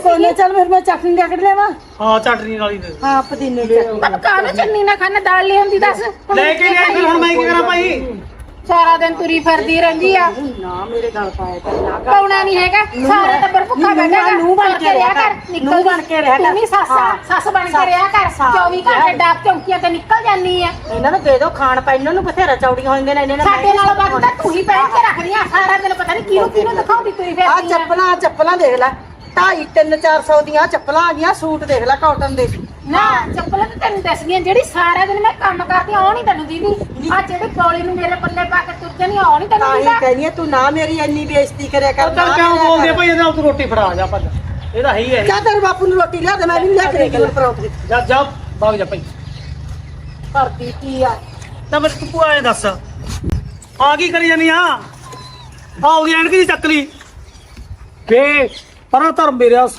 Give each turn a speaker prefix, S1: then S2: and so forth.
S1: ਕੋਨੇ ਚੱਲ ਫਿਰ ਮੈਂ ਚਟਨੀ ਲੈ ਕੇ ਲਿਆਵਾਂ।
S2: ਹਾਂ ਚਟਨੀ ਨਾਲ ਹੀ ਦੇ
S1: ਹਾਂ ਪੁਦੀਨੇ ਦੀ
S3: ਤਬ ਕਾਹਨੂੰ ਚੰਨੀ ਨਾ ਖਾਣਾ ਦਾਲ ਲੈ ਆਉਂਦੀ ਦੱਸ
S2: ਲੈ ਕੇ ਲਿਆ ਫਿਰ ਹੁਣ ਮੈਂ ਕੀ ਕਰਾਂ ਭਾਈ
S3: ਸਾਰਾ ਦਿਨ ਤੁਰੀ ਫਿਰਦੀ ਰਹਿੰਦੀ ਆ
S1: ਨਾ ਮੇਰੇ ਗੱਲ ਪਾਇਆ ਕਰ ਨਾ ਕਰ।
S3: ਪਾਉਣਾ ਨਹੀਂ ਹੈਗਾ ਸਾਰਾ ਟੱਬਰ ਭੁੱਖਾ ਬੈਠਾ
S1: ਨੂੰ ਬਣ ਕੇ ਰਿਹਾ ਕਰ ਨੂੰ ਬਣ ਕੇ ਰਿਹਾ ਕਰ
S3: ਤੂੰ ਵੀ ਸੱਸ ਬਣ ਕੇ ਰਿਹਾ ਕਰ 24 ਘੰਟੇ ਡਾਕ ਚੌਂਕੀਆਂ ਤੇ ਨਿਕਲ ਜਾਨੀ ਆ
S1: ਇਹਨਾਂ ਨੂੰ ਦੇ ਦਿਓ ਖਾਣ ਪੈ ਇਹਨਾਂ ਨੂੰ ਬਥੇਰਾ ਚੌੜੀਆਂ ਹੋਈਆਂ ਨੇ ਇਹਨਾਂ ਨੇ
S3: ਸਾਡੇ ਨਾਲ ਵੱਧ ਤਾਂ ਤੂੰ ਹੀ ਪਹਿਨ ਕੇ ਰੱਖਦੀ ਆ ਸਾਰਾ ਦਿਨ ਪਤਾ ਨਹੀਂ ਕਿਹਨੂੰ ਦਿਖਾਉਂਦੀ ਤੁਰੀ
S1: ਆ
S3: ਫਿਰਦੀ ਆ
S1: ਚੱਪਲਾਂ ਦੇਖ ਲੈ 250-400 ਦੀਆਂ ਚੱਪਲਾਂ ਆ ਗਈਆਂ ਸੂਟ ਦੇਖ ਲੈ ਕਾਟਨ ਦੇ
S3: ਨਾ ਚੱਪਲਾਂ ਤਾਂ ਤੈਨੂੰ ਦੱਸ ਗਈਆਂ ਜਿਹੜੀ ਸਾਰਾ ਦਿਨ ਮੈਂ ਕੰਮ ਕਰਦੀ ਆਉ ਨਹੀਂ ਤੈਨੂੰ ਦੀਦੀ ਆ ਜਿਹੜੀ ਗੋਲੀ ਨੂੰ ਮੇਰੇ ਪੱਲੇ ਪਾ ਕੇ ਤੁਰ ਜਾਨੀ ਆਉ ਨਹੀਂ ਤੈਨੂੰ
S1: ਤਾਂ ਹੀ
S3: ਦੀਦਾ
S1: ਕਹਿੰਦੀ ਤੂੰ ਨਾ ਮੇਰੀ ਇੰਨੀ ਬੇਇੱਜ਼ਤੀ ਕਰਿਆ ਕਰ
S2: ਚੱਲ ਕਿਉਂ ਬੋਲਦੇ ਆ ਭਾਈ ਇਹਦੇ ਨਾਲ ਤੂੰ ਰੋਟੀ ਫੜਾ ਜਾ ਭੱਜ ਇਹ ਤਾਂ ਹੈ ਹੀ ਹੈ
S1: ਜਾ ਤੇਰੇ ਬਾਪੂ ਨੂੰ ਰੋਟੀ ਲਿਆ ਦੇ ਮੈਂ ਵੀ ਲਿਆ ਕੇ ਦੇ ਪਰੌਂਠੇ
S2: ਜਾ ਜਾ ਭਾਗ ਜਾ ਭਾਈ
S1: ਕਰਦੀ ਕੀ ਆ
S2: ਤਾਂ ਮੈਂ ਤੂੰ ਭੂਆ ਇਹ ਦੱਸ ਆ ਕੀ ਕਰੀ ਜਾਨੀ ਆ ਉਹਦੀ ਐਨਕ ਦੀ ਚੱਕ ਲਈ ਵੇ ਪਰਾਂ ਧਰਮ ਮੇਰਿਆ